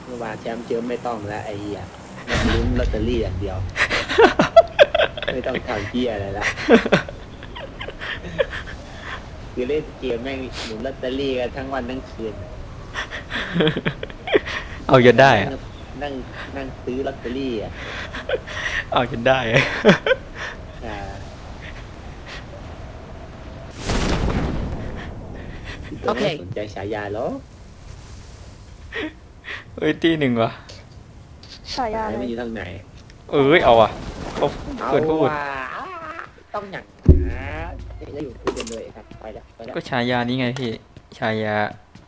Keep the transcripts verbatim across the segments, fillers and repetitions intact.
เมื่อวานแชมป์เจิมไม่ต้องแล้วไอ้เหี้ยมันลุ้นลอตเตอรี่อย่างเดียวไม่ต้องทำเหี้ยอะไรละคือเล่นเกมแม่งหมุนลอตเตอรี่กันทั้งวันทั้งคืนเอาจนได้อะนั่งนั่งซื้อลอตเตอรี่อ่ะเอาจนได้อะอ่าโอเคสนใจฉายาหรอเฮ้ยตีหนึ่งวะฉายาอะไรมันอยู่ทางไหนเอ้ยเอาอ่ะเขาเอาเกิดพูดว่าต้องอย่างนะจะอยู่คุยกันเลยครับไปแล้วไปแล้วก็ฉายานี้ไงพี่ฉายา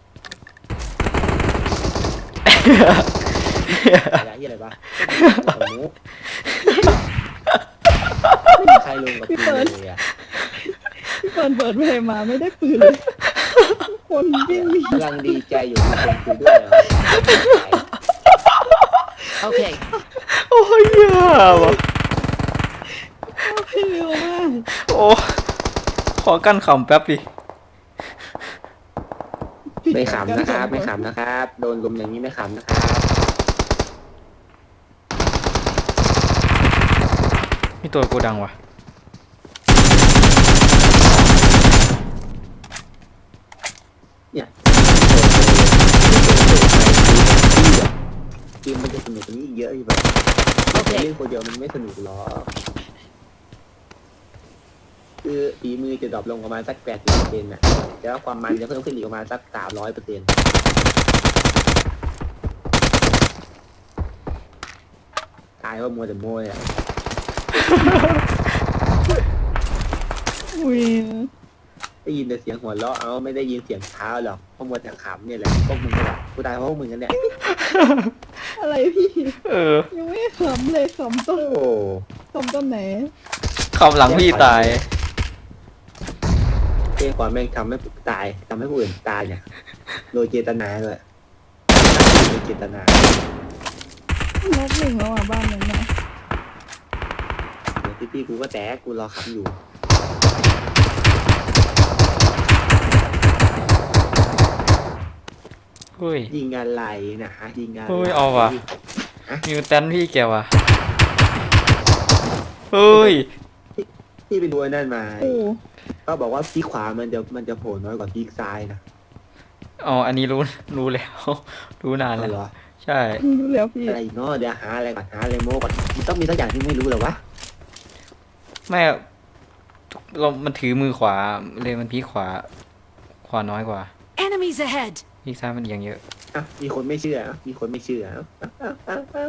ฉายาที่อะไรบ้างสมมุติไม่มีใครลงกับกูเลยอ่ะพี่เปิดเปิดเพลงมาไม่ได้ปืนเลยคนวิ่งหนีกำลังดีใจอยู่ที่คนคุยด้วยนะโอเคโอ้ยยาวะเร็วมากโอ้ขอกั้นขำแป๊บดิไม่ขำนะครับไม่ขำนะครับ โดนลมอย่างนี้ไม่ขำนะครับมีตัวโกดังวะเนี่ยเกมมันจะสนุกกว่านี้เยอะอยู่แบบเล่นคนเดียวมันไม่สนุกหรอกคือฝีมือจะดรอปลงประมาณสักแปดสิบเปอร์เซ็นต์น่ะแต่ว่าความมันจะเพิ่มขึ้นอีกประมาณสักสามร้อยเปอร์เซ็นต์ตายเพราะมัวแต่โม้ยอ่ะอุ้ยได้ยินแต่เสียงหัวเราะเอาไม่ได้ยินเสียงเท้าหรอกเพราะมัวแต่ขำเนี่ยแหละพวกมึงก็แบบกูตายเพราะพวกมึงกันเนี่ยอะไรพี่เออยังไม่ขำเลยขำต้นโอ้ขำต้นไหนขำหลังพี่ตายเรื่องความแม่งทำให้ตายทำให้ผู้อื่นตายเนี่ยโดยเจตนาเลยโดยเจตนาลบหนึ่งแล้วอ่ะบ้านนั้นนะเดี๋ยวพี่ๆกูก็แตกกูรอขำอยู่เฮ้ยยิงอะไรนะยิงอะไรเฮ้ยเอาว่ะมิวแตนพี่แกว่ะเฮ้ยที่ไปดูไอ้นั่นมาโอ้ก็บอกว่าพีขวามันจะมันจะโผล่น้อยกว่าพีซ้ายนะอ๋ออันนี้รู้รู้แล้ว รู้นานอะไรแล้วเหรอใช่รู้แล้วพี่อะไรอีกเนาะเดี๋ยวหาอะไรก่อนหาอะไรโม้ก่อนมันต้องมีสักอย่างที่ไม่รู้หรอวะไม่เรามันถือมือขวาเลยมันพีขวา ขวาน้อยกว่า Enemies ahead! พีซ้ายมันอย่างเยอะอ่ะมีคนไม่เชื่ออ่ะมีคนไม่เชื่ออ่ะอ่ะอ่ะอ่ะ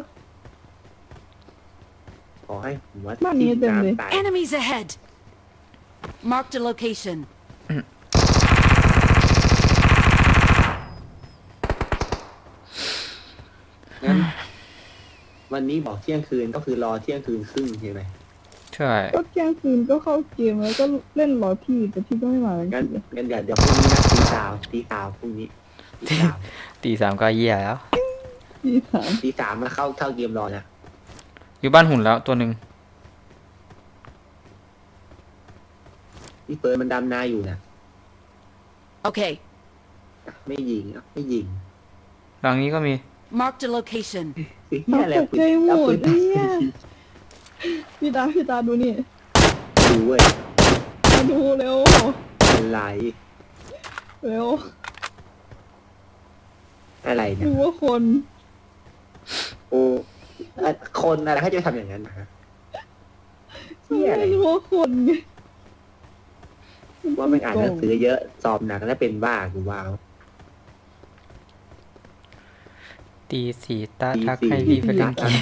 ขอให้ผมว่าบ้านนี้เต็มเลยตาย Enemies ahead! Marked a location. งั้นวันนี้บอกเที่ยงคืนก็คือรอเที่ยงคืนครึ่งใช่ไหมใช่ก็เที่ยงคืนก็เข้าเกมแล้วก็เล่นรอพี่แต่พี่ก็ไม่มาแล้วงั้นงั้นเดี๋ยวเดี๋ยวพรุ่งนี้นะตีสามตีสามพรุ่งนี้ตีสามตีสามก็เยี่ยแล้วพี่สามตีสามมาเข้าเข้าเกมรอนะอยู่บ้านหุ่นแล้วตัวหนึ่งพี่เฟิร์นมันดำนาอยู่นะ Okay. ไม่ยิงอ่ะไม่ยิงหลังนี้ก็มี Marked a location. คือน้เฮียองอะไรตกใจหมแล้วดปืนเนี่ยพี่ตาพี่ตาดูนี่ดูเว้ยมาดูเร็วอะไรเร็วอะไรเนี่ยดูว่าคนโอ้เอ่อคนอะไรเขาจะทำอย่างนั้นนะฮะเฮียอะไรดูว่าคนไงว่าไม่อ่านหนังสือเยอะสอบหนักแล้วเป็นบ้ากูว้าวตีสี่ตาตีทักสี่ให้พี่ไปเล่นเกม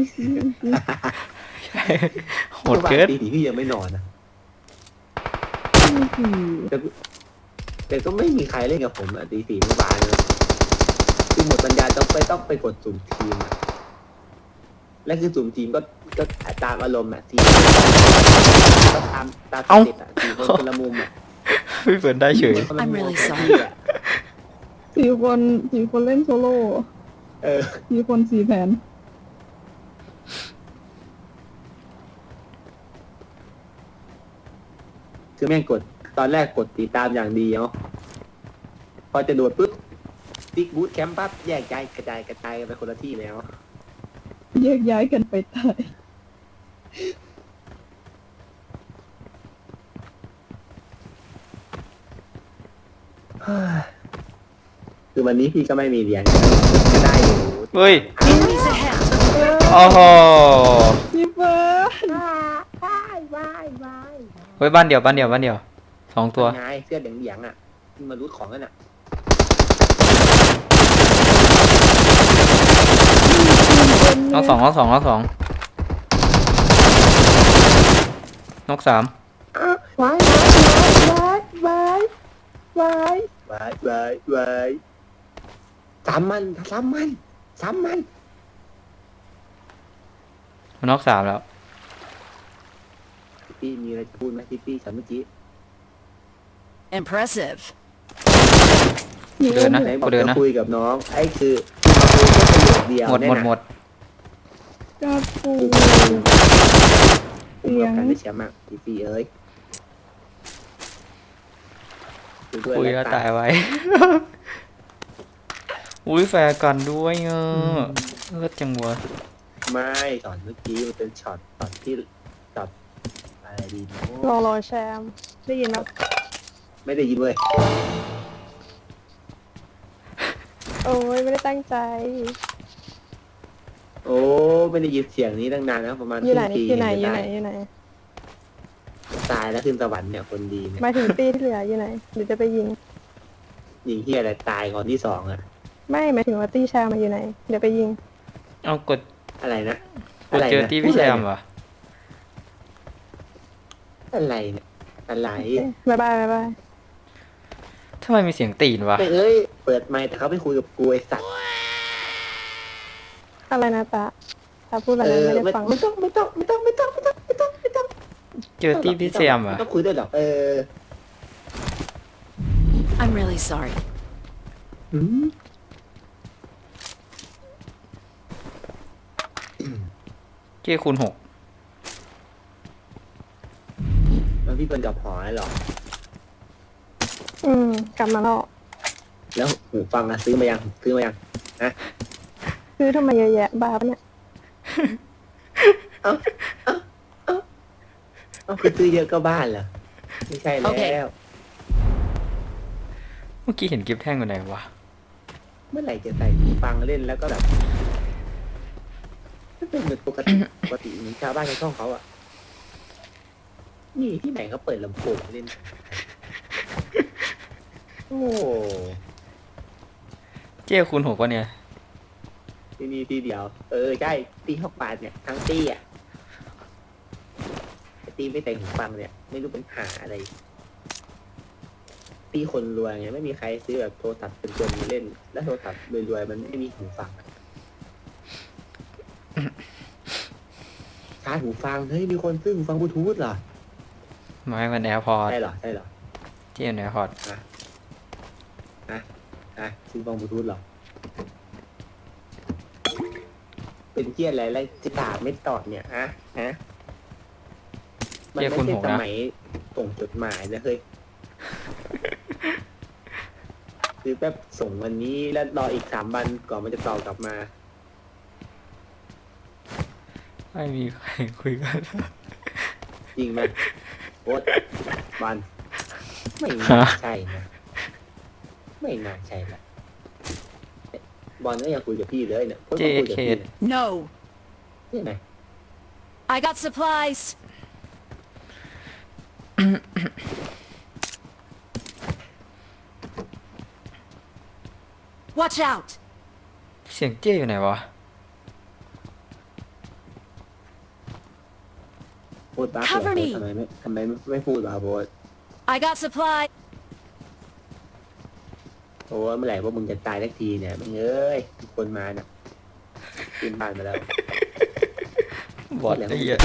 โหดเกินตีสี่พี่ยังไม่นอนนะสี่แต่แต่ก็ไม่มีใครเล่นกับผมอะตีสี่เมื่อวานเลยคือหมดปัญญาต้องไปต้องไปกดสุ่มทีมอะและคือสุ่มทีมก็ก็ตามอารมณ์อะทีมก็ตามตามสเต็ปอะสี่คนคนละมุมอะพี่เปิดได้เฉยคนละมุม I'm really ของ sorry พี่อะสี่คนสี่คนเล่นโซโล่เออสี่คนสี่แผนคือแม่งกดตอนแรกกดติดตามอย่างดีเนาะพอจะโดดปุ๊บติ๊กบูทแคมป์ปั๊บแยกย้ายกระจายกระจายกันไปคนละที่แล้วแยกย้ายกันไปตายคือวันนี้พี่ก็ไม่มีเหรียญก็ได้อยู่เฮ้ย Enemies ahead! โอ้โหพี่เฟิร์นว้ายว้ายว้ายเฮ้ยบ้านเดียวบ้านเดียวบ้านเดียวสองตัวไงเสื้อเหลืองๆอ่ะที่มารูดของกันอ่ะน้องสองน้องสองน้องสองนกสามว้ายว้ายว้ายว้ายว้ายว้ายว้ายสามมันสามมันสามมันนกสามแล้วพี่มีอะไรจะพูดไหมพี่พี่ฉันเมื่อกี้ Impressive. เดินนะไหนบอกูกเดินจะนะคุยกับน้องไอ้คือมาคุยแค่ประโยคเดียวหมดหมดหมดกับปูกูกับการได้แชมป์มากพี่พี่เอ้ยด้วยคุยแล้ก็วตายไว้ อุ้ยแฟร์กันด้วยเออเลิศจังวะไม่ช็อตเมื่อกี้มันเป็นช็อตช็อตที่ช็อตอะไรดีเนารอะ รอแชมป์ได้ยินแล้วไม่ได้ยินเว้ยโอ้ยไม่ได้ตั้งใจโอ้ไม่ได้ยินเสียงนี้ตั้งนานแล้วประมาณอยู่ไหนครึ่งปีอยู่ไหนอจะยู่ไหนตาอยู่ไหนตายแล้วขึ้นสวรรค์เนี่ยคนดีเนี่ยหมายถึงตีที่เหลืออยู่ไหนหรือจะไปยิงยิงที่อะไรตายก่อนที่สองอะไม่หมายถึงว่าตีแชมป์มาอยู่ไหน เดี๋ยวไปยิงเอากดอะไรนะกดเจอที่พี่แซมเหรออะไรเนี่ยอะไรบ๊ายบายบ๊ายบายทำไมมีเสียงตีนวะไม่เอ้ยเปิดไมค์แต่เขาไปคุยกับกูไอสัตว์อะไรนะตาตาพูดอะไรเออนะไม่ได้ไม่ฟังไม่ต้องไม่ต้องไม่ต้องไม่ต้องไม่ต้องไม่ต้องไม่ต้องไม่ต้องเจอที่พี่แซมเหรอไต้องคุยด้วยหรอกเออ I'm really sorry. อืมเจ้คูณหกแล้วพี่เป็นกับหอยหรออืมกลับมาแล้วแล้วหูฟังอะซื้อมายังซื้อมายังซื้อทำไมเยอะแยะบ้าปะเนี่ยเอ้าเอ้าเอ้าเอ้าคือซื้อเยอะก็บ้านเหรอไม่ใช่แล้โอเควเมื่อกี้เห็นกิฟแท่งอยู่ไหนวะเมื่อไหร่จะใส่หูฟังเล่นแล้วก็แบบก็เป็นเหมือนปกติปกติเหมือนชาวบ้านในช่องเขาอะนี่ที่ไหนเขาเปิดลำโพงเล่น โอ้เจ้คูณหกวะเนี่ยที่นี่ที่เดียว เออใช่ตีหกบาทเนี่ยทั้งตีอ่ะแต่ตีไม่ใส่หูฟังเนี่ย ไม่รู้เป็นหาอะไร ตีคนรวยไงไม่มีใครซื้อแบบโทรศัพท์เป็นตัวมาเล่น แล้วโทรศัพท์รวยๆมันไม่มีหูฟังอะชาร์จหูฟังเฮ้ยมีคนซื้อหูฟังบลูทูธเหรอไม่มันแอร์พอร์ตใช่เหรอใช่เหรอเจ้แอร์พอร์ตอ่ะซื้อฟังบลูทูธเหรอ เป็นเที่ยอะไรไรจะถามไม่ตอบเนี่ยฮะฮะมันไม่ใช่สมัยส่งจดหมายนะเฮ้ย คือแป๊บส่งวันนี้แล้วรออีกสามวันก่อนมันจะตอบกลับมาไม่มีใครคุยกันจริงไหมโอ๊ตบันไม่น่าใช่นะไม่น่าใช่ละบอลก็ยังคุยกับพี่เลยเนี่ยโอ๊ตก็คุยกับพี่เนี่ย No. นี่ไหน I got supplies. Watch out. เสียงเจ้อยู่ไหนวะโอ๊ตบ้าเหรอ Cover me ทำไมไม่ทำไมไม่พูดวะโอ๊ต I got supplies. โอ้เมื่อไหร่ว่ามึงจะตายสักทีเนี่ยมึงเอ้ยทุกคนมาเนี่ยขึ้นบ้านมาแล้วบอดไอ้เหี้ย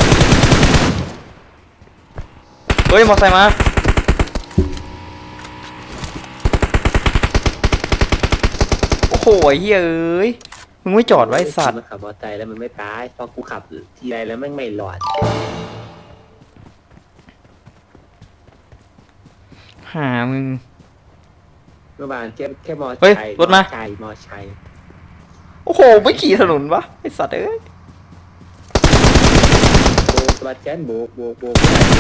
เฮ้ยมอไซค์มาโอ้โหไอ้เหี้ยเอ้ยมึงไม่จอดไว้สัตว์มันขับมอเตอร์ไซค์แล้วมันไม่ตายพอกูขับทีไรแล้วแม่งไม่หลอดหามึงมื่อวานแค่แค่มอเฮ้ยชัยรถมาชัยมอชัยโอ้โห ไม่ขี่ถนนวะไอสัตว์เอ้ยโบกสวัสดิ์แกนโบกโบกโบก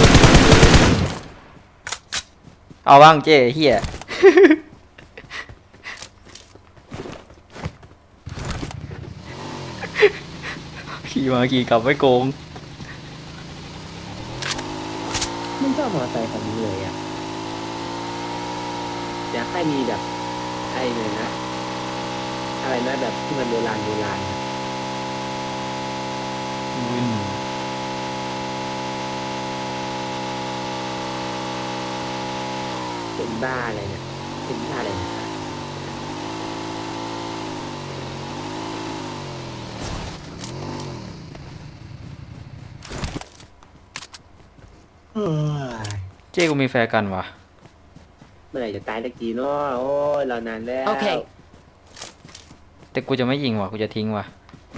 เอาบ้างเจ้เฮีย ขี่มาขี่กลับไม่โกงไม่ชอบมอไซค์คันนี้เลยอ่ะอยากให้มีแบบไอ้เลยนะอะไรนะแบบที่มันโบราณโบราณอะวินเป็นบ้าอะไรเนี่ยเป็นบ้าอะไรเนี่ยเฮ้ยเจ้กูมีแฟนกันวะเมื่อไหร่จะตายสักทีเนาะโอ้ยเรานานแล้วโอเคแต่กูจะไม่ยิงว่ะ กูจะทิ้งว่ะ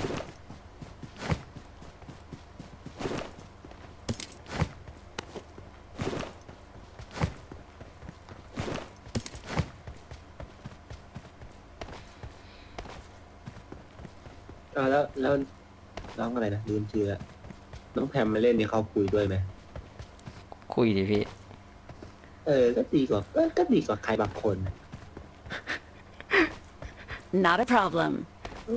อ่าแล้วแล้วน้องอะไรนะลืมชื่อละน้องแพมมาเล่นนี่เขาคุยด้วยไหมคุยดิพี่เออ ก็ดีกว่าก็ก็ดีกว่าใครบางคนน่ะ Not a problem. อู้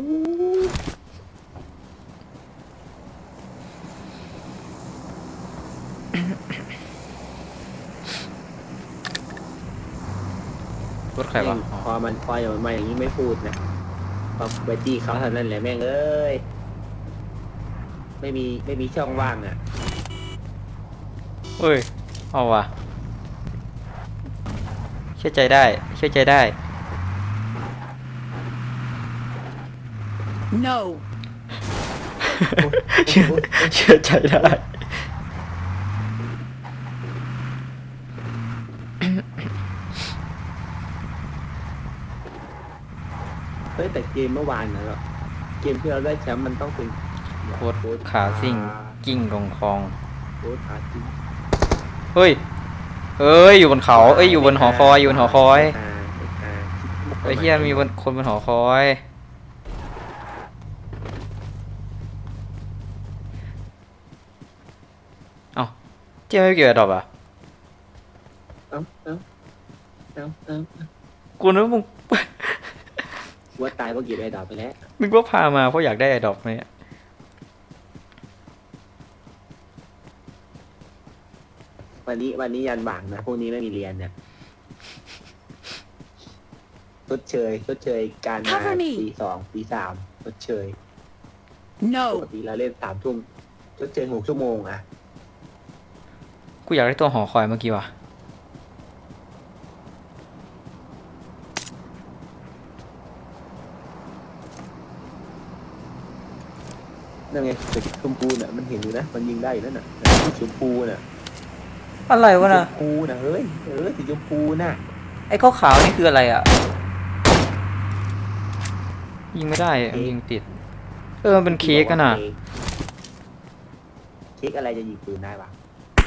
รถใครวะแม่งอ๋อพอมันพออย่างมันมาอย่างนี้ไม่พูดนะพอไปจี้เขาเท่านั้นแหละแม่งเอ้ยไม่มีไม่มีช่องว่างอ่ะเฮ้ย เอาว่ะ เชื่อใจได้ เชื่อใจได้ No. เชื่อเชื่อใจได้เฮ้ยแต่เกมเมื่อวานนะเเกมที่เราได้แชมป์มันต้องเป็นโคตรขาซิ่ง กิ้งลงคลองโค้ดขาซิ่งเฮ้ย เอ้ย อยู่บนเขา เอ้ย อยู่บนหอคอย อยู่บนหอคอยอ่าอ่าไอ้เฮียมีบนคนบนหอคอย เอ้าเจ๊ไม่เกี่ยวกับดอกอ่ะเอ้าเอ้าเอ้าเอ้ากูนึกว่ามึงว่าตายเพราะเก็บไอ้ดอกไปแล้วนึกว่าพามาเพราะอยากได้ไอ้ดอกเนี่ยวันนี้วันนี้ยันบ่างนะพวกนี้ไม่มีเรียนเนี่ยชดเชยชดเชยการมา Cover me ปีสองปีสามชดเชยป No. กติเราเล่นสามทุ่มชดเชยหกชั่วโมงอะกูอยากได้ตัวหอคอยเมื่อกี้ว่ะนั่นไงตึกชมพูน่ะมันเห็นอยู่นะมันยิงได้อยู่นั่นน่ะสีชมพูน่ะอะไรวะสีชนะมพูน่ะเฮ้ยเออสีชมพูน่ะไอ้ข้าวขาวนี่คืออะไรอ่ะ ยิงไม่ได้อะยิงติด เออ มันเป็นเค้กกันอ่ะเค้กอะไรจะยิงปืนได้ปะ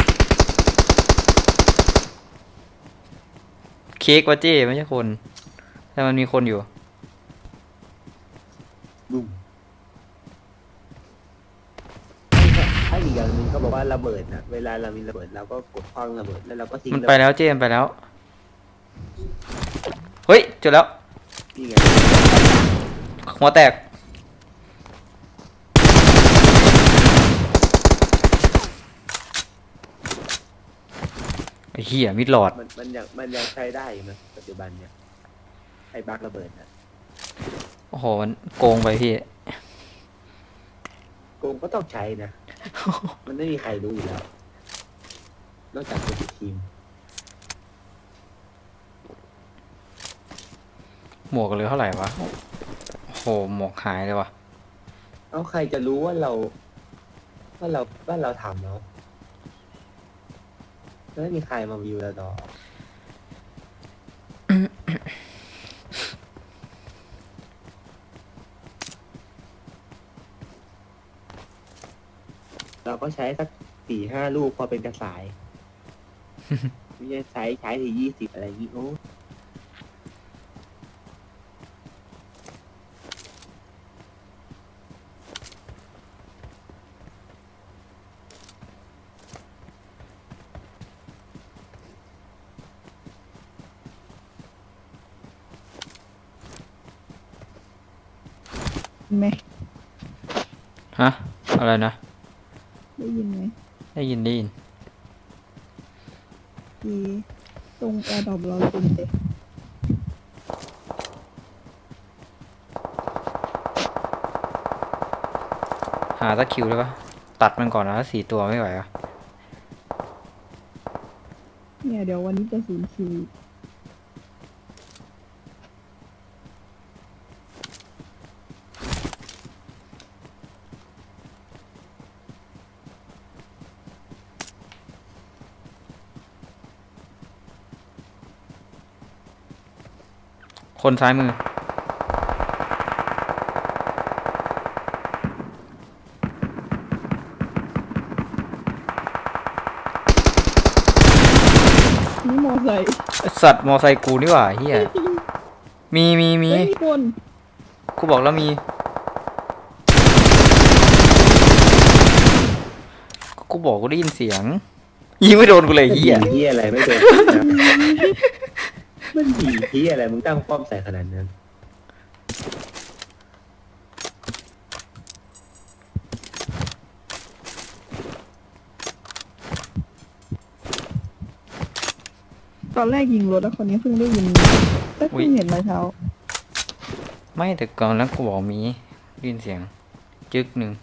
เค้กวะเจ้ไม่ใช่คน แต่มันมีคนอยู่บุ้มถ้าอีกอย่างหนึ่งเขาบอกว่าระเบิดนะเวลาเรามีระเบิดเราก็กดคว้างระเบิดแล้วเราก็ทิ้งมันระไปเบิดแล้วเจ้มันไปแล้ว เฮ้ยเจอแล้วนี่ไงหัวแตก ไอ้เหี้ยมิดหลอดมันมันยังมันยังใช้ได้อยู่นะปัจจุบันเนี่ยไอ้บักระเบิดนะโอ้โห มันโกงไปพี่โกงก็ต้องใช้นะ มันไม่มีใครรู้อยู่แล้ว นอกจากคนในทีมหมวกเหลือเท่าไหร่วะ โอ้โห หมวกหายเลยว่ะเอาใครจะรู้ว่าเรา ว่าเราว่าเราทำแล้วไม่มีใครมาวิวเราต่อ เราก็ใช้สักสี่ห้าลูกพอเป็นกระสาย ไม่ใช่ใช้ใช้ทียี่สิบอะไรอย่างนี้โอ้ไหมฮะอะไรนะได้ยินไหมได้ยินได้ยินทีตรงแอร์ดรอปเราจริงเลยหาสักคิวได้ปะตัดมันก่อนนะสี่ตัวไม่ไหวอะเนี่ยเดี๋ยววันนี้จะศูนย์คิวคนซ้ายมือนี่มอไซค์ไอ้สัตว์มอไซค์กูนี่หว่าเฮียมีมีมีเฮ้ยมีคนกูบอกแล้วมี กูบอกกูได้ยินเสียง ยิงไม่โดนกูเลยเฮียเฮียอะไรไม่โดนนะมันดีเฮียอะไรมึงตั้งป้อมใส่ขนาดนั้นตอนแรกยิงรถแล้วคนนี้เพิ่งได้ยินก็เพิ่งเห็นรอยเท้าไม่แต่ก่อนแล้วกูบอกมีได้ยินเสียง จึกหนึ่ง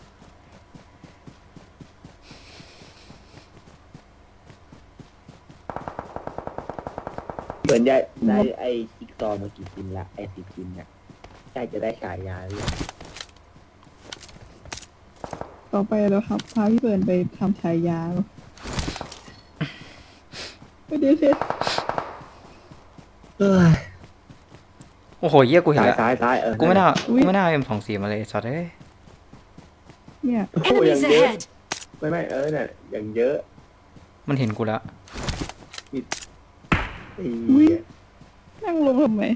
เหมือนได้ได้ไอ้จิ๊กซอว์มากี่ชิ้นละไอ้สิบชิ้นเนี่ยใกล้จะได้ฉายาเลยต่อไปเราครับพาพี่เบิร์นไปทำฉายาไม่ได้เทสเอ้ยโอ้โหเฮียกูเห็นซ้ายแล้วซ้ายซ้ายเออกูไม่น่ากูไม่น่าเอ็มสองสี่มาเลยสัตว์เอ้ยเนี่ยโอ้โหอย่าง Enemies เยอะ ahead! ไม่ไม่เออเนี่ยอย่างเยอะมันเห็นกูแล้วไอ้อุ๊ยเหี้ยนั่งลงทำไม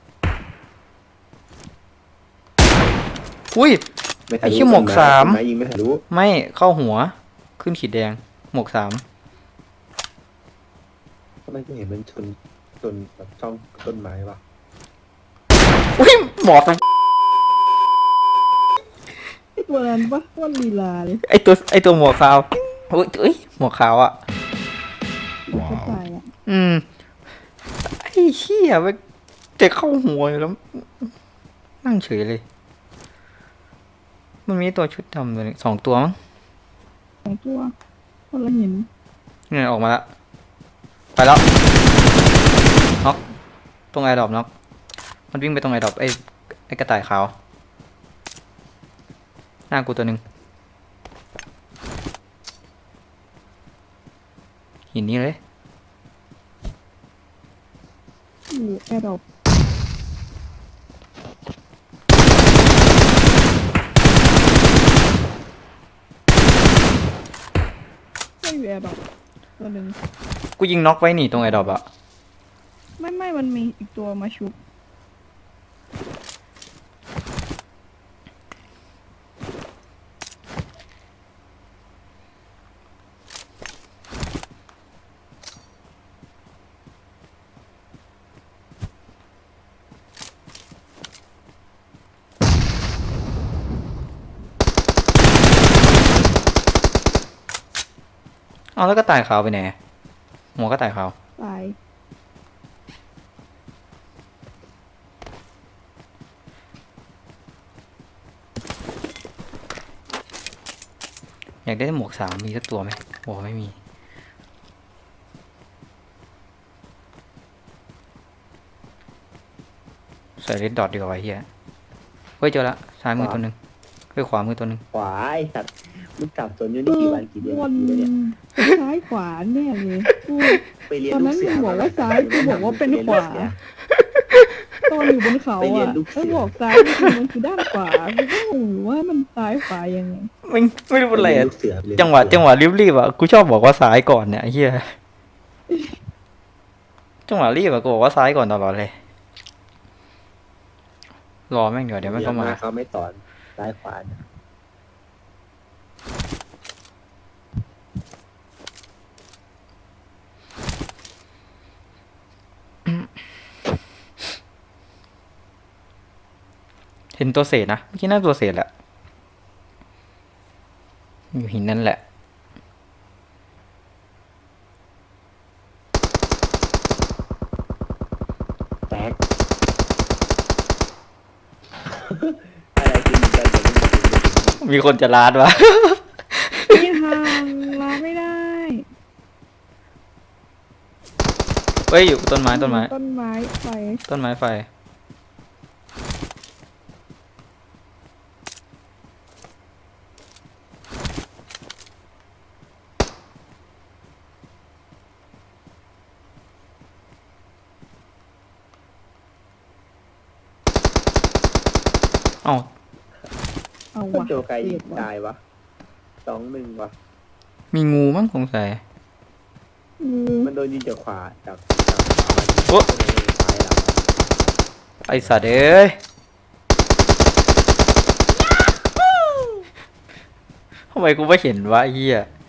อุ้ยไม่ทะลุไอ้เหี้ยหมวกสามต้นไยิงไม่ทะลุไม่เข้าหัว ขึ้นขีดแดง หมวกสามทำไมกูเห็นมันชนชนแบบช่องต้นไม้วะอุ้ยหมอกไอตัวนั้นปะว่าลีลาเลยไอตัวไอตัวหมวกขาวอุ้ยเอ้ยหมวกขาวอ่ะกระจายอ่ะอืม ไอ้เหี้ยมันจะเข้าหัวอยู่แล้ว นั่งเฉยเลย มันมีตัวชุดดำตัวหนึงสองตัวมั้งสองตัวคนละหินเนี่ยออกมาแล้ว ไปแล้วน็อกตรงไอดอปน็อกมันวิ่งไปตรงไอดอปไอไอกระต่ายขาว หน้ากูตัวหนึ่งหินนี้เลยอยู่แอร์ดรอปไม่อยู่แอร์ดรอปตัวหนึ่งกูยิงน็อกไว้หนีตรงไอดอปอะไม่ไม่มันมีอีกตัวมาชุบเอาแล้วก็ต่ายขาวไปไหนหัวก็ต่ายขาวตายอยากได้หมวกสามมีสักตัวไหมโอ้ไม่มี ใส่เลดดอทดีกว่าไอ้เฮียเฮ้ยเจอละซ้ายมือตัวหนึ่งเฮ้ยขวามือตัวหนึ่งขวาไอ้สัตว์มึงจับสนอยู่นี่กี่วันกี่เดือนวนกี่เดือนเนี่ยซ้ายขวาเนี่ยเลยกูไปเรียนตอนลูนั้กนเสือมึงบอกว่าซ้ายกูบอกว่าเป็นขวา ตอนอยู่บนเขาไปเรียนอ่ะลูกเสือถ้าบอกซ้ายจริงๆมันคือด้านขวากูก็งงอยู่ว่ามันซ้ายขวายังไงไม่ไม่รู้เป็นไรไปเรียนอะลูกเสือไปเรียนจังหวะจังหวะรีบๆอ่ะกูชอบบอกว่าซ้ายก่อนเนี่ยไอ้เฮียจังหวะรีบอ่ะกูบอกว่าซ้ายก่อนตลอดเลย รอแม่งเดี๋ยวเดี๋ยวมันก็มาเขาไม่สอนซ้ายขวานะแเห็นตัวเศษนะเมื่อกี้น่าตัวเศษแหละอยู่หินนั่นแหละแตก อะไรคือมีการผมไม่มีคนจะลาดวะมีทางลาไม่ได้เฮ้ยอยู่ต้นไม้ต้นไม้ต้นไม้ไฟต้นไม้ไฟเอ้าเอาคุวะณโจไกยิงตายวะสองหนึ่งวะมีงูมั้งสงสัยอืมมันโดนยิงจากขวาจากจากขวาโอ๊ะซ้ายเราไอสัตว์เอ้ยทำไมกูไม่เห็นวะไอ้เหี้ย